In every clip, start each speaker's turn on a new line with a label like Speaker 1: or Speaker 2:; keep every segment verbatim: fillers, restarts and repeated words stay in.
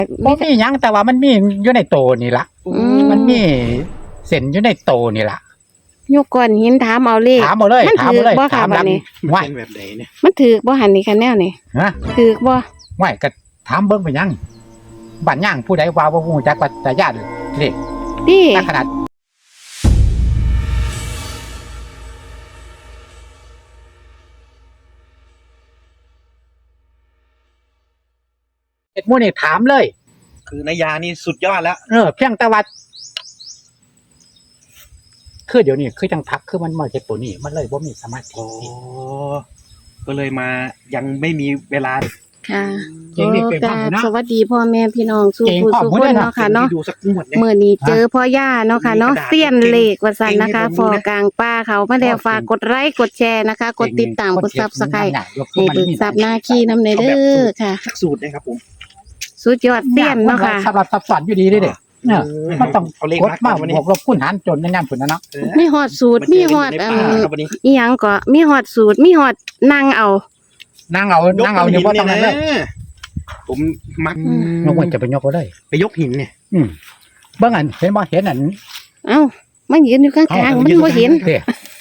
Speaker 1: บ่มีหยังแต่ว่ามันมีอยู่ในโตนี่ล่ะ
Speaker 2: อืม
Speaker 1: มันมีเส้นอยู่ในโตนี่ล่ะ
Speaker 2: ยกก้อนหินถามเอาเลข
Speaker 1: ถามเอาเลย
Speaker 2: มัน
Speaker 1: ถาม
Speaker 2: ถื
Speaker 1: เอาเลย
Speaker 2: บ่ค่ะ
Speaker 1: ถาม
Speaker 2: บัดนี้
Speaker 1: ไหว
Speaker 3: เป็นแบบไหนเนี่ย
Speaker 2: มันถือบ่หันนี่คะแนวนี่
Speaker 1: ฮะ
Speaker 2: ถือบ่
Speaker 1: ไหวก็ถามเบิ่งไปยังบ้านย่างผู้ใดว่าบ่ฮู้จักว่าตาญาติเลข
Speaker 2: ติ
Speaker 1: ถ้าขนาดเอ็ดหมู่นี่ถามเลย
Speaker 3: คือนายานี่สุดยอดแล้ว
Speaker 1: เออเพียงแต่ว่าคือเดี๋ยวนี้คือจังทักคือมันมาเฮ็ดตัวนี้มันเลยบ่มีสมาธิ
Speaker 3: โอ้ก็เลยมายังไม่มีเวลา
Speaker 2: ค่ะ
Speaker 1: เก่งนี่เก่ง
Speaker 2: ก็
Speaker 1: มากเลยนะ
Speaker 2: สวัสดีพ่อแม่พี่น้องสู่
Speaker 1: เก่ง
Speaker 2: ผู้
Speaker 1: พร้อม
Speaker 2: สู่
Speaker 1: หมด
Speaker 2: ค
Speaker 1: เล
Speaker 2: น
Speaker 1: ยนะ
Speaker 2: เนาะค่ะเนาะ
Speaker 3: ดูสักงวดเนี่ย
Speaker 2: มื้อนี้เจอพ่อย่าเนาะค่ะเนาะ
Speaker 3: มีกระดาษ
Speaker 2: เสี้ยนเลขว่าซั่นนะคะ
Speaker 3: เก่ง
Speaker 2: ฟอกลางป่าเขามาแล้วฝากกดไลค์กดแชร์นะคะ กดติดตามกด Subscribe ให้เบิกทรัพย์หน้าขี้นำในเด้อค่ะ
Speaker 3: สักสูตรนะครับผม
Speaker 2: สุดยอดเสี้ยนเนาะค่ะ
Speaker 1: สำหรับซับซ้อนอยู่ดีเด้เด้เนี่ยมันต้อง
Speaker 3: เอาเลข
Speaker 1: กด
Speaker 3: มา
Speaker 1: มา
Speaker 3: วันนี้
Speaker 1: บวกลบคูณหารจนในยามพุ่นนะเนาะ
Speaker 3: เออ
Speaker 2: มีฮอดสูตรมีฮอด
Speaker 3: มา
Speaker 2: อั
Speaker 3: เจอกันในป่าครับวันนี้
Speaker 2: อีหยังก็มีฮอดสูตรมีฮอดนั่งเอา
Speaker 1: นั่งเอานั่งเอาอยู่บ่ต้องนั่นเลย
Speaker 3: ผมมัก
Speaker 2: อืม
Speaker 1: ยกมันจะไปยกเอาเลย
Speaker 3: ไปยกหินเนี่ย
Speaker 1: อืมเบิ่งอันเห็นบ่เห็นอัน
Speaker 2: เอ้ามันยืนอยู่ข้างๆมันบ่เห็น
Speaker 1: เด้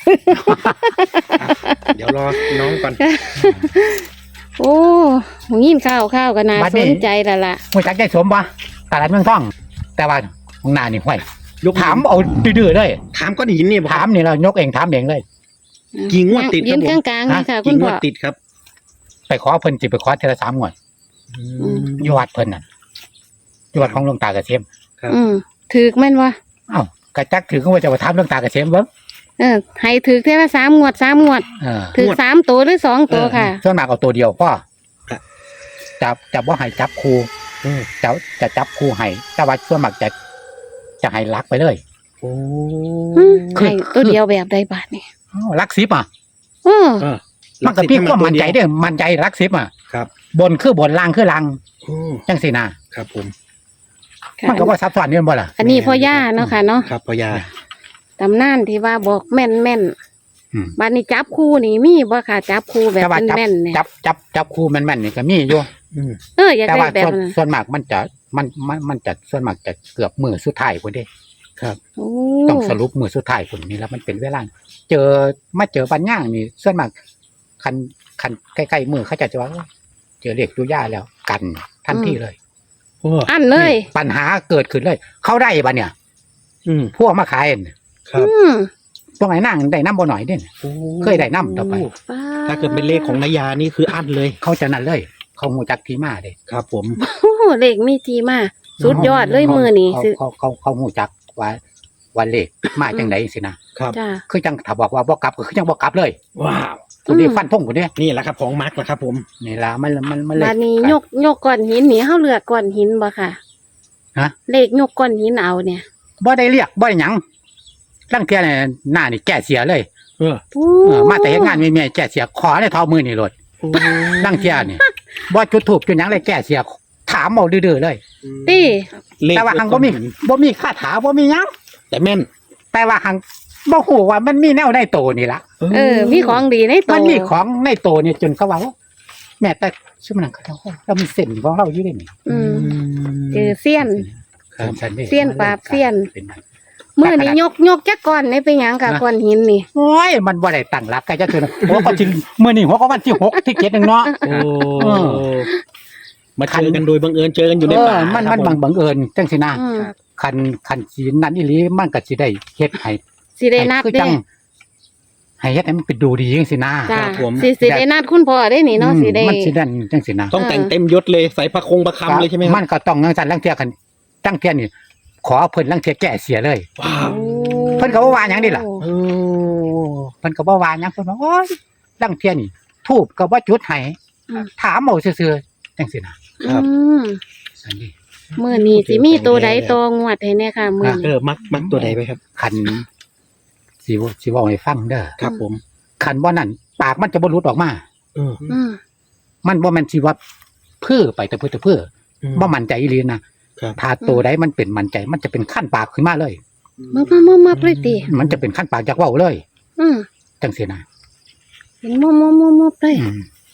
Speaker 3: เดี๋ยวรอน้องก่อน
Speaker 2: โอ้หูยินข้าวข้าวก็น่าสนใจแล้วล่ะ
Speaker 1: ฮู้จักได้สมบ่ตลาดเมืองทอง แต่ว่าของหน้านี่ห้วย
Speaker 3: ยกหิน
Speaker 1: ถามเอาดื้อๆเลย
Speaker 3: ถามก้อนหินเนี่ย
Speaker 1: ถามนี่เรายกเองถามเองเลย
Speaker 3: กี่งวดติดค
Speaker 2: ยื
Speaker 3: รับ
Speaker 2: น
Speaker 3: ผม
Speaker 2: กลางๆนี่ค่ะ คุ
Speaker 3: กี่
Speaker 2: ณ
Speaker 3: ง
Speaker 2: พ่
Speaker 3: ว
Speaker 2: อ
Speaker 3: ดติดครับ
Speaker 1: ไปขอเพิ่นสิไปขอเทอละสามงวดอยู่วัดเพิ่นน่ะอยู่วัดของหลวงตาเกษม
Speaker 2: อืมถือแม่นวะ
Speaker 1: เอ้ากระจักถือก็ว่าจะมาถามหลวงตาเกษมเบิ่ง
Speaker 2: เออให้ถือเท่าละสามงวดสามงวด
Speaker 1: เออ
Speaker 2: ถือสามตัวหรือสองตัวค่ะ
Speaker 1: ส่วนมากเอาตัวเดียวพ่อ
Speaker 3: ครับ
Speaker 1: จับจับว่าให้จับคู่
Speaker 3: อืม
Speaker 1: จะจะจับคู่ให้แต่ว่าส่วนมากจะจะให้ลักไปเลย
Speaker 3: โอ้
Speaker 2: อืม
Speaker 1: คือ
Speaker 2: ให้ตัวเดียวแบบใดบาทนี่
Speaker 1: อ้าวลักสิบอ่ะ
Speaker 2: เออ
Speaker 3: เออ
Speaker 1: มันก็พี่ความมั่นใจเด้อมั่นใจลักสิบอ่ะ
Speaker 3: ครับ
Speaker 1: บนคือบนล่างคือล่าง
Speaker 3: โอ้
Speaker 1: จังสินะครับ
Speaker 3: ผม
Speaker 2: ค่ะ
Speaker 1: มันก็ว่าซับซ้อนนี่บ่ล่ะ
Speaker 2: อันนี้พ่อย่าเนาะค่ะเนาะ
Speaker 3: ครับพ่อยา
Speaker 2: ตำนานที่ว่าบอกแม่นแม่น
Speaker 1: อืม
Speaker 2: บัดนี้จับคู่นี่มีบ่ค่ะจับคู่แบบ
Speaker 1: แต่ว่าจับ
Speaker 2: แม่นๆเนี่ย
Speaker 1: จับจับจับคู่แม่นๆนี่ก็มีอยู่
Speaker 3: อืม
Speaker 2: เอออยาก
Speaker 1: แต่
Speaker 2: ได้
Speaker 1: ว่า
Speaker 2: แบบ
Speaker 1: ส่วน
Speaker 2: นั้น
Speaker 1: ส่วนมากมันจะมันมันมันจะส่วนมากจะเกือบมือสุดท้ายพุ่นเด้
Speaker 2: โอ้
Speaker 1: ต้องสรุปมือสุดท้ายพุ่นนี่แล้วมันเป็นเวลาเจอมาเจอปัญญางนี่ส่วนมากคันคันใกล้ๆมือเขาจะจะว่าเจอเลขตุย่าแล้วกันทันทีเลย
Speaker 3: โอ้
Speaker 2: อันเลย
Speaker 1: ปัญหาเกิดขึ้นเลย เขาได้ปะเนี่ย
Speaker 3: อืม
Speaker 1: พวกมาขายน่ะ
Speaker 3: ครับ
Speaker 2: อืม
Speaker 1: พวกไหนนั่งได้น้ำบ่หน่อยเนี่ย
Speaker 3: โอ้
Speaker 1: เคยได้นำต่อไป
Speaker 2: ป๊า
Speaker 3: ถ้าเกิดเป็นเลขของนายานี่คืออั้นเลย
Speaker 1: เขาจะนั่นเลย เขาหูจักที่มาเลย
Speaker 3: ครับผม
Speaker 2: โอ้เลขมีทีมาสุดยอดเลยมือนี้
Speaker 1: เขา
Speaker 2: สิ
Speaker 1: เขาเขาเขาหูจักว่าวันเลขมาจังไหนสินะครับ
Speaker 2: จ้า
Speaker 1: คือจังถ้าบอกว่าบ่กลับก็คือจังบ่กลับเลย
Speaker 3: ว้าว
Speaker 1: คนนี้
Speaker 2: อืม
Speaker 1: ฟันธงคนนี้
Speaker 3: นี่แหละครับของมาร์กแหละครับผม
Speaker 1: นี่ล่ะมันมันมันเลย
Speaker 2: บัดนี้ยกยกก้อนหินนี่เฮาเลือกก้อนหินบ่ค่ะ
Speaker 1: ฮะ
Speaker 2: เลขยกก้อนหินเอาเนี่ย
Speaker 1: บ่ได้เรียกบ่ได้หยังลังเทียเนี่ยหน้านี่แก้เสียเลย
Speaker 3: เออ
Speaker 2: โอ้
Speaker 1: เออมาแต่เฮ็ดงานมีเมียแก้เสียขอได้เท่ามือนี่โลด
Speaker 3: โอ้
Speaker 1: ลังเทียนี่บ่จุดทูบจุดหยังเลยแก้เสียถามเอาดื้อๆเลย
Speaker 2: ติ
Speaker 3: เลข
Speaker 1: แต่ว่าหังบ่มีบ่มีคาถาบ่มีหยัง
Speaker 3: แต่แม่น
Speaker 1: แต่ว่าหังบ่ฮู้ว่ามันมีแนวในโตนี่ล่ะ
Speaker 2: เออ มีของดีในตัว
Speaker 1: มันมีของในโตนี่จนเขาว่าแม่แต่ชื่อมันเขาเรามีเส้นของเราอยู่ได้นี่
Speaker 2: อืมเจอเสี้ยน
Speaker 1: ครับ
Speaker 2: เสี้ยนปราบเสี้ยน
Speaker 1: เป็นไง
Speaker 2: มือนี้ยกยกจักก้อนนี่เป็นหยังค่ะ
Speaker 1: นะ
Speaker 2: ก้อนหินนี่
Speaker 1: โอ้ยมันบ่ได้ตั้งหลักกันจักเทื่อนะโอ้ก็สิมื้อนี้หัวก็วันที่หกที่เจ็ดนึงเนาะ
Speaker 3: โอ้
Speaker 1: เออ
Speaker 3: มาเจอกันโดยบังเอิญเจอกันอยู่ใน
Speaker 1: เอ
Speaker 3: ป่า
Speaker 1: อมัน
Speaker 3: ครั
Speaker 1: มัน
Speaker 3: ผ
Speaker 1: บังบังเอิญจังสินะ
Speaker 2: อืม
Speaker 1: คันคันสินั้นอีหลีมันก็สิได้เฮ็ดให้
Speaker 2: สิได้นัด
Speaker 1: คือ
Speaker 2: เด้
Speaker 1: จังให้เฮ็ดให้มันเป็นดูดีจังสินะ
Speaker 2: จ้า
Speaker 3: ครับผม
Speaker 2: สิสิได้นัดคุณพ่อได้นี่เนาะ
Speaker 1: อืม
Speaker 2: สิได้
Speaker 1: มันสิดันจังสินะ
Speaker 3: ต้องแต่งเต็มยศเลยใส่พระคงพระคำเลยใช่ไหมครับ
Speaker 1: มันก็ต้องจังซั่นลังเที่ยกันจังเที่ยนี่ขอเพิ่นลังเที่ยแก้เสียเลย
Speaker 3: ว้าว
Speaker 2: โอ้
Speaker 1: เพิ่นก็บ่ว่าหยังนี่ล่ะ
Speaker 3: โอ้
Speaker 1: เพิ่นก็บ่ว่าหยังเพิ่นว่าโอ้ยลังเที่ยนี่ทูบก็บ่จุดให้
Speaker 2: อืม
Speaker 1: ถามเอาซื่อๆจังสินะ
Speaker 2: อืม
Speaker 1: ซั่นนี่
Speaker 2: มื้อนี้สิมีตัวใดตัวงวดให้เนี่ยค่ะมื้อ
Speaker 3: เอ
Speaker 2: นี้
Speaker 3: อมักมักตัวใดไปครับ
Speaker 1: คันสิเว้าสิเว้าให้ฟังเด้อ
Speaker 3: ครับผม
Speaker 1: คันบ่นั่นปากมันจะบ่หลุดออกมา
Speaker 3: เออ
Speaker 2: อืม
Speaker 1: มันบ่แม่นสิว่าเพื่อไปแต่เพื่อแต่เพื่อบ่มั่นใจอีหลีนะครับ ถ้าตัวใดมันเป็นมั่นใจ มันจะเป็นขั้นปากขึ้นมาเลย
Speaker 2: มามามามาเลยติ
Speaker 1: มันจะเป็นขั้นปากจากเว้าเลย
Speaker 2: อืม
Speaker 1: จังซี่นะ
Speaker 2: เป็นมอมอมอมอเลย
Speaker 1: อืม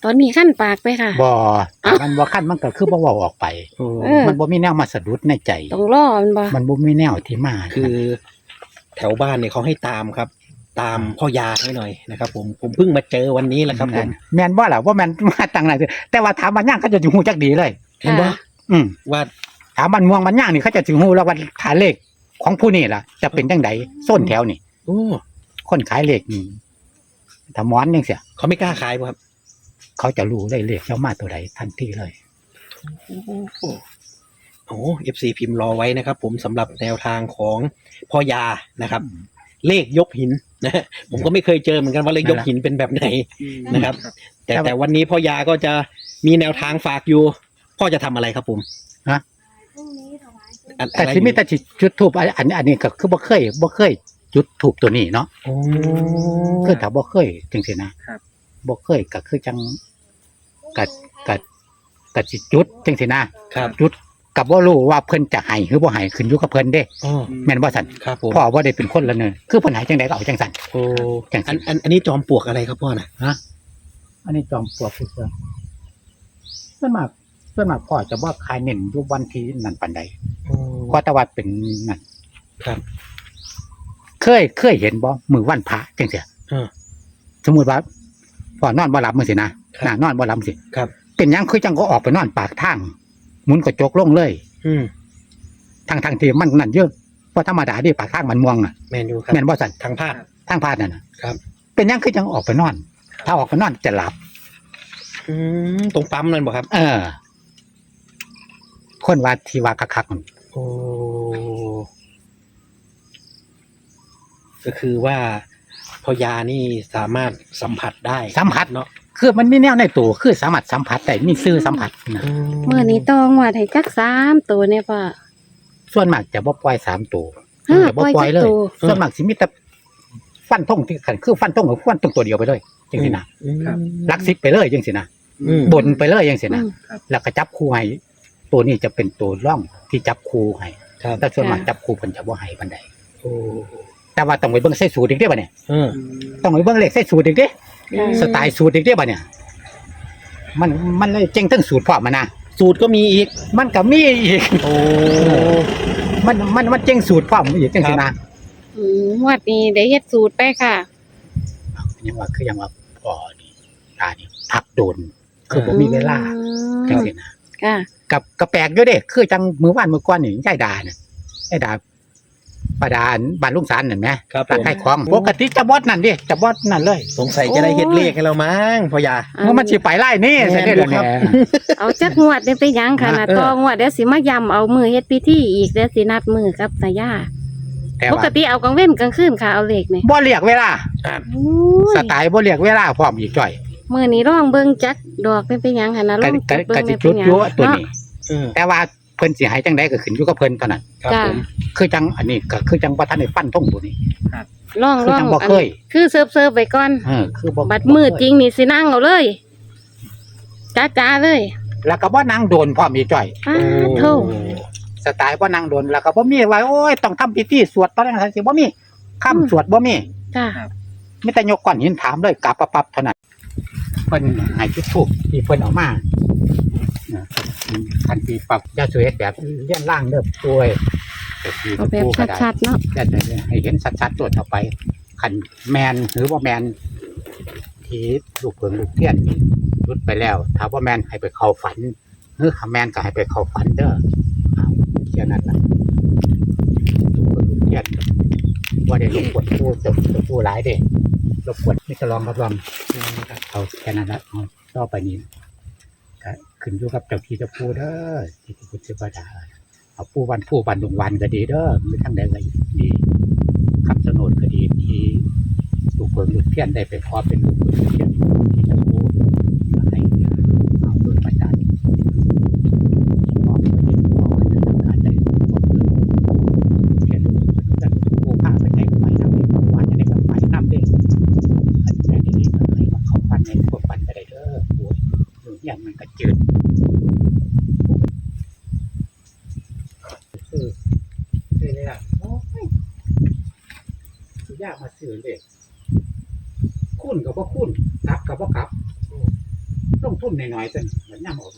Speaker 2: ตอนนี้ขั้นปากไปค่ะ
Speaker 1: บ่
Speaker 2: เอ้า
Speaker 1: มันบ่คันมันก็คือบ่เว้าออกไป
Speaker 3: โอ้
Speaker 2: เออ
Speaker 1: มันบ่มีแนวมาสะดุดในใจ
Speaker 2: ต้องรอมันบ่
Speaker 1: มันบ่มีแนวที่มา
Speaker 3: คือแถวบ้านเนี่ยเขาให้ตามครับ ตามพ่อยาให้หน่อยนะครับ ผมผมเพิ่งมาเจอวันนี้แหละครับผม
Speaker 1: แม่นบ่ล่ะว่าแม่นมาตั้งไหนแต่ว่าถามมันย่างเขาจะสิฮู้จักดีเลย
Speaker 3: เห็นปะ
Speaker 1: อืม
Speaker 3: ว่า
Speaker 1: ถามมันม่วงมันย่างนี่เขาจะสิฮู้แล้วว่าฐานเลขของผู้นี่ล่ะ จะเป็นจังไดโซนแถวนี่
Speaker 3: โอ้
Speaker 1: คนขายเลขนี่ถ้าหมอนจังซี่
Speaker 3: เขาไม่กล้าขายป่ะครับ
Speaker 1: เขาจะรู้เลยเลขเจ้ามาตัวใดทันทีเลย
Speaker 3: โอ้โหโอ้เอฟซีพิมพ์รอไว้นะครับ ผมสำหรับแนวทางของพ่อยานะครับ เลขยกหินนะฮะผมก็ไม่เคยเจอเหมือนกันว่าเลขยกหินเป็นแบบไหนนะครับ แต่แต่วันนี้พ่อยาก็จะมีแนวทางฝากอยู่ พ่อจะทำอะไรครับผม
Speaker 1: ฮะ
Speaker 3: อะ
Speaker 1: แต่
Speaker 3: อะไร
Speaker 1: ที่มีแต่สิจุดทูบอันอันอันนี้ก็คือบ่เคยบ่เคยจุดทูบตัวนี้เนาะ
Speaker 3: โอ้
Speaker 1: คือถ้าบ่เคยจังซี่นะครับ บ่เคยก็คือจังกัดกัดกัดสิจุดจังซี่นะครับ จุดกับบ่รู้ว่าเพิ่นจะให้หรือบ่ให้ขึ้นอยู่กับเพิ่นเด้
Speaker 3: อ๋อ
Speaker 1: แม่นบ่ซั่น
Speaker 3: ครับผม
Speaker 1: พ่อบ่ได้เป็นคนละเนินคือเพิ่นให้จังไดก็เอาจังซั่น
Speaker 3: โอ้
Speaker 1: จังสิ
Speaker 3: อันอันอันนี้จอมปลวกอะไรครับพ่อน่ะ
Speaker 1: ฮะอันนี้จอมปลวกคือเพิ่นส่วนมากส่วนมากพ่อจะบ่ขายเน้นอยู่วันที่นั่นปานใด
Speaker 3: โอ้
Speaker 1: ก็แต่ว่าเป็นนั่น
Speaker 3: ครับ
Speaker 1: เคยเคยเห็นบ่มื้อวันพระจังซี่
Speaker 3: เออ
Speaker 1: สมมุติว่าพ่อนอนบ่หลับมื้อสินะครับ น่ะนอนบ่หลับสิ
Speaker 3: ครับ
Speaker 1: เป็นหยังคือจังก็ออกไปนอนปากทางหมุนกระจกลงเลย
Speaker 3: อืม
Speaker 1: ทางทางที่มันนั่นเยอะเพราะธรรมดาที่ปากทางมันม่วงน่ะ
Speaker 3: แมนยูครับ
Speaker 1: แม่นบ่สั่น
Speaker 3: ทางภาค
Speaker 1: ทางพาดนั่นน่ะ
Speaker 3: ครับ
Speaker 1: เป็นหยังคือจังออกไปนอน ถ้าออกไปนอนจะหลับ
Speaker 3: อืมตรงปั๊มนั่นบ่ครับ
Speaker 1: เออ คนว่าที่ว่าคักๆนั่น
Speaker 3: โอ้ก็คือว่าพอยานี่สามารถสัมผัสได้
Speaker 1: สัมผัส
Speaker 3: เนาะ
Speaker 1: คือมันมีแนวในตัวคือสามารถสัมผัสได้มีซื่อสัมผัสนะ
Speaker 2: เมื่อนี้ต้องว่าให้จักสามตัวเนี่ยป่ะ
Speaker 1: ส่วนมากจะบ่ปล่อยสามตัว
Speaker 2: ฮะ
Speaker 1: จะบ่ปล่อยเลย
Speaker 2: ปล่อยจักตัว
Speaker 1: ส่วนมากสิมีแต่ฟันธงที่ขันคือฟันธงกับฟันธงตัวเดียวไปเลยจังซี่นะ
Speaker 3: อืม
Speaker 1: ลักซิปไปเลยจังซี่นะ
Speaker 3: อืม
Speaker 1: บนไปเลยจังซี่
Speaker 2: อื
Speaker 1: นะ
Speaker 2: ม
Speaker 1: แล้วก็จับคู่ให้ตัวนี้จะเป็นตัวร่องที่จับคู่ให้
Speaker 3: ครับ
Speaker 1: แต่ส่วนมาก
Speaker 2: ค่ะ
Speaker 1: จับคู่เพิ่นจะบ่ให้ปานใด
Speaker 3: โอ้
Speaker 1: แต่ว่าต้องไปเบิ่งใส่สูตรอีกเด้อบัดเนี่ย
Speaker 3: เออ
Speaker 1: ต้องไปเบิ่งเลขใส่สูตรอีกเด้
Speaker 2: ค่ะ
Speaker 1: สไตล์สูตรอีกเด้อบัดเนี่ย มันมันเลยเจ๋งทั้งสูตรพร้อมมานะ
Speaker 3: สูตรก็มีอีก
Speaker 1: มันก็มีอีก
Speaker 3: โอ้
Speaker 1: มันมันมันเจ๋งสูตรพร้อมอีกจังซี่นะ
Speaker 2: อืมงวดนี้ได้เฮ็ดสูตรไปค่ะ
Speaker 1: ยังว่าคือยังว่าพ่อนี่ตานี่พักโดน คือบ่มีเวลา
Speaker 2: อื
Speaker 1: จัง
Speaker 2: ม
Speaker 1: ซี่นะ
Speaker 2: ค่ะ
Speaker 1: กับกระแปลกอยู่เด้คือจังมื้อวานมื้อก่อนนี่ยายดาน่ะยายดาป้าดาบ้านลุงสารนั่นแหม
Speaker 3: ครับผ
Speaker 1: ร้าน
Speaker 3: ม
Speaker 1: ขายของปกติจะบอดนั่นดิจะบอดนั่นเลย
Speaker 3: สงสัยจะได้เฮ็ดเลขให้เรามั้งพอยา
Speaker 1: เมื่อมันสิไปไล่นี่
Speaker 3: แม่น
Speaker 1: ใช่ได้
Speaker 3: อยู่
Speaker 1: แล้ว
Speaker 3: ครั
Speaker 1: เนี่ย
Speaker 3: บ
Speaker 2: เอาจักงวดได้ไปหยังค่ะนะ
Speaker 3: เออ
Speaker 2: ต่องวดเดี๋ยวสิมาย้ำเอามือเฮ็ดพิธีอีกเดี๋ยวสินัดมือกับสายา
Speaker 1: แต่
Speaker 2: ป
Speaker 1: ว่าก
Speaker 2: ติเอากลางเว้นกลางคืนค่ะเอาเลขนี่
Speaker 1: บ่เรียกเวลา
Speaker 3: อ่า
Speaker 2: โอ้ย
Speaker 1: สไตล์บ่เรียกเวลาพร้อมอีกจ่อย
Speaker 2: มื้อนี้ร้องเบิ่งจักดอกเป็นไปหยังค่ะนะร้
Speaker 1: ก็
Speaker 2: อง
Speaker 1: ก็
Speaker 2: เบิ่
Speaker 1: ก็
Speaker 2: ง
Speaker 1: สิ
Speaker 2: ได้
Speaker 1: จุด
Speaker 2: เป็นหยัง
Speaker 1: ยั่วตัวนี้
Speaker 3: เออ
Speaker 1: แต่ว่าเพิ่นสิให้จังไดก็ขึ้นอยู่กับเพิ่นเท่านั้น
Speaker 3: ครับผม
Speaker 1: คือจังอันนี้ก็คือจังบ่ทันได้ปั้นท่งตัวนี้
Speaker 2: ร้อง
Speaker 1: คือ
Speaker 2: ร้อง
Speaker 1: จังบ่
Speaker 2: อัน
Speaker 1: เคย
Speaker 2: คือเซิร์ฟเซิร์ฟไปก่อน
Speaker 1: เออคือบ่
Speaker 2: บัดมือจริงนี่สินั่งเอาเลยจ้าๆเลย
Speaker 1: แล้วก็บ่นั่งโดนพร้อมอีกจ่อย
Speaker 2: อ้าโธ่
Speaker 1: สไตล์บ่นั่งโดนแล้วก็บ่มีว่าโอ้ยต้องทำพิธีสวดตอนนั้นสิบ่มีคำสวดบ่มี
Speaker 2: จ้า
Speaker 1: มีแต่ยกก้อนหินถามเลยกลับปั๊บๆเท่านั้นเพิ่นให้จุดธูปที่เพิ่นเอามาคันปีปรับยาสวยแบบเลี้ยนล่างเด้อป่วย
Speaker 2: เอาแบบชัดๆเนาะ
Speaker 1: ๆได้ให้เห็นชัดๆตัวต่อไปคันแมนหรือว่าแมนที่ลูกเพิงลูกเทียนรุดไปแล้วถ้าว่าแมนให้ไปเข้าฝันหรือถ้าแมนก็ให้ไปเข้าฝันเด้อเอาแค่นั้นล่ะลูกเพิงลูกเทียนว่าได้รบกวนผู้จบผู้หลายเด้รบกวนนี่จะลองรับรองเอาแค่นั้นละเอาต่อไปนี้ก็ขึ้นอยู่กับเจ้าที่เจ้าผู้เด้อที่ที่พุทธบดาเอาผู้วันผู้วันดวงวันก็ดีเด้อไม่ทั้งใดก็ดีคำสนดก็ดีที่ลูกเพิงลูกเทียนได้ไปขอเป็นลูกเพิงลูกเทียนที่เจ้าผู้ให้เอาโดยประจานมองไปเห็นมองไปทำการใจเขียนแต่ผู้ข้าไปใช้กับไปทำเองว่าจะได้กับไปน้ำเด้อันนี้ดีๆเลยมาเข้าปันในพวกปันก็ได้เด้อป่วยอย่างมันก็จืดคือคือเลยอ่ะโอ้ยยากมาซื้อเลยคุ้นกับว่าคุ้นกลับกับว่ากลับลงทุนน้อยๆเป็นเหมือนย่ำออก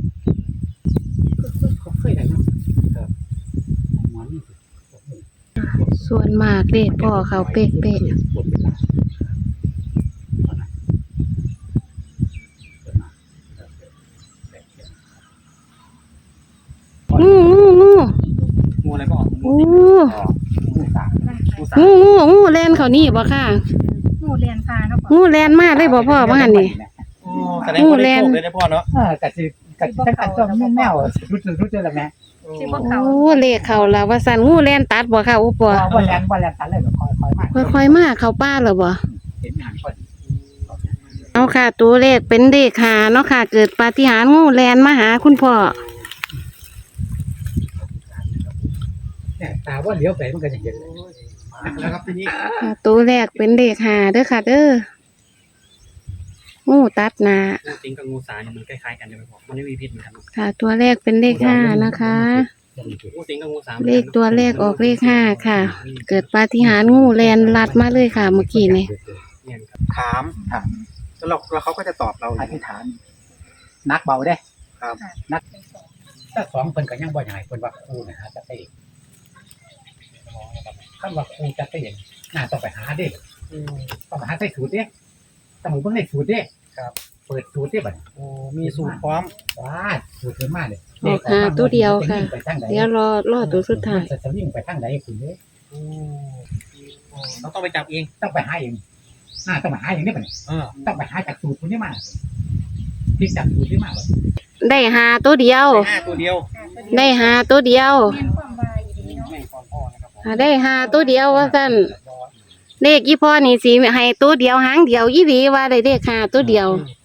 Speaker 1: ก็เคยได้นะครับหมอนี่
Speaker 2: ส่วนมากเลขพ่อเขาเป๊ะ
Speaker 1: บนเป็นหลัก
Speaker 2: ๆงูงูงู
Speaker 3: งูอะไรก็ออก
Speaker 2: งู
Speaker 1: ผู้สาม
Speaker 3: งูสา
Speaker 2: งูงูงูแลนเขานี่บ่ค่ะ
Speaker 4: งูเรียนพาเนาะ
Speaker 2: งูแลนมาเลยบ่พ่อว่าหั่นนี่
Speaker 3: แสดงว่าได้โชคเลยนะพ่อเนาะ
Speaker 1: เออกะสิกะสิตั้งแต่ต้นแนวรู้สึกรู้สึกแล้วแม่
Speaker 4: สิบ่เขา
Speaker 2: โอ้เลขเขาแล้วว่าสั่นงูแลนตัดบ่ค่ะอุป
Speaker 1: ว่าว่าแรงว่าแรงตันเลยแบบคอยคอยมาก
Speaker 2: ค่อยๆมาเข้าป่าแล้วบ่
Speaker 1: เห็นหางคน
Speaker 2: เอาค่ะ ตัวเลขเป็นเลขหาเนาะค่ะ เกิดปาฏิหาริย์งูแลนมาหาคุณพ่อ
Speaker 1: เนี่ยตาว่าเลี้ยวไปมันก็จะเห็นเลย
Speaker 3: แล้วครับทีนี้
Speaker 2: ค่ะตัวแรกเป็นเลขหาเด้อค่ะเด้องูตัดหนา
Speaker 5: งูสิงกับงูสาเนี่ยมันคล้ายๆกันใช่ไหมพ่อมันไม่มีพิษเหมือนกันเนอะ
Speaker 2: ค่ะ ตัวแรกเป็นเลขห้านะคะ
Speaker 5: งูสิงกับงูสา
Speaker 2: เลขตัวแรกออกเลขห้าค่ะ เกิดปาฏิหาริย์งูแลนลัดมาเลยค่ะ เมื่อกี้นี่
Speaker 5: เนี่ยครับ
Speaker 3: ถามถามแล้วเราแล้วเขาก็จะตอบเราอ
Speaker 1: อย่าง ธิษฐานนักเบาได้
Speaker 3: ครับ
Speaker 1: นักถ้าสองเพิ่นก็ยังบ่ใหญ่เพิ่นว่าครูนะฮะจะไปคำว่าครูจะไปเห็นน่าต้องไปหาเด้
Speaker 3: อืม
Speaker 1: ต้องไปหาใส่สูตรเด้ต้องเบิ่งในสูตรเด้
Speaker 3: ครับ
Speaker 1: เปิดสูตรเด้บัดนี้
Speaker 3: โอ้มีสูตรพร้อม
Speaker 1: ว้าสูตรเพิ่นมาเลย
Speaker 2: ออกหาตัวเดียวค่ะ
Speaker 1: ไปทางใด
Speaker 2: เดี๋ยวรอรอตัวสุดท้าย
Speaker 1: จะสวิ่งไปทางใดคุณเด้
Speaker 3: อืมเราต้องไปจับเอง
Speaker 1: ต้องไปหาเองน่าต้องไปหาเองนี่บัดนี้
Speaker 3: เออ
Speaker 1: ต้องไปหาจากสูตรคนนี้มาพลิกจากสูตรนี้มาบัดนี้
Speaker 2: ได้หาตัวเดียว
Speaker 3: ห้าตัวเดียว
Speaker 2: ได้หาตัวเดียว
Speaker 4: เรียนความว่าอยู่ดีเนาะ
Speaker 3: แม่งความพ่อนะครับผม
Speaker 2: หาได้หาตัวเดียวว่าสั่นเลขยี่พ่อนี่สิให้ตัวเดียวหางเดียวยี่หลีว่าได้เลขหาตัวเดียว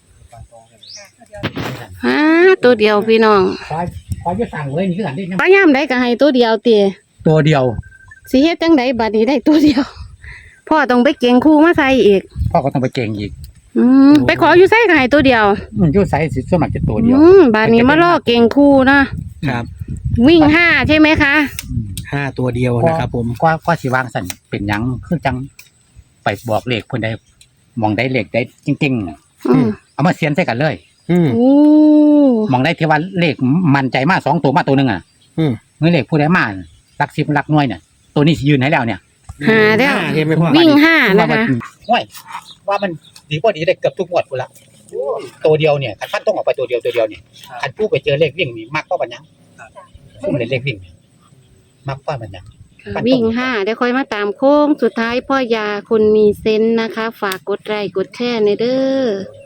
Speaker 4: ค่ะเดี๋ยว
Speaker 2: หาตัวเดียวพี่น้อง
Speaker 1: คอยคอยจะสั่งเลยนี่คือกันได้ยัง
Speaker 2: ป้ายามได้ก็ให้ตัวเดียวเตีย
Speaker 1: ตัวเดียว
Speaker 2: สิเฮ็ดจังไดบัดนี้ได้ตัวเดียว พ่อต้องไปเก่งครูมาใส่อีก
Speaker 1: พ่อก็ต้องไปเก่งอีก
Speaker 2: อืมไปขออยู่ใส่ก็ให้ตัวเดียว
Speaker 1: มันอยู่ไซส์สิส่วนมากจะตัวเดียว
Speaker 2: อืมบัดนี้มาล่อเก่งครูนะครับ วิ่งห้าใช่ไหมคะ
Speaker 3: ห้าตัวเดียวนะครับผม
Speaker 1: ก็ก็สิวางสั่นเป็นหยังคือจังไปบอกเลขเพิ่นได้มองได้เลขได้จริงๆน่ะ
Speaker 2: อืม
Speaker 1: เอามาเสียนใส่กันเลย
Speaker 3: อืม
Speaker 2: โอ้
Speaker 1: มองได้ที่ว่าเลขมั่นใจมากสองตัวมาตัวหนึงอ่ะ
Speaker 3: อืม
Speaker 1: เมื่อเลขผู้ใดมาหลักสิบหลักหน่วยเนี่ยตัวนี้สิยืนให้แล้วเนี่ย
Speaker 2: หาแล้ว
Speaker 3: ห้าใช่ไหมพ่อ
Speaker 2: วิ่งห้านะ
Speaker 1: ว่ามั
Speaker 2: คะ
Speaker 1: ห้วยว่ามันดีกว่าดีได้เกือบทุกงวดพุ่นละตัวเดียวเนี่ยคันฟันต้องออกไปตัวเดียวตัวเดียวเนี่ยคันผู้ไปเจอเลขวิ่งนี่มักก็บัดหยังซุ่มเล่นเลขวิ่งนี่มักก็บัดหยัง
Speaker 2: วิ่งห้าเดี๋ยวค่อยมาตามโค้งสุดท้ายพ่อยาคนมีเซนส์นะคะ ฝากกดไลค์กดแชร์ในเด้อ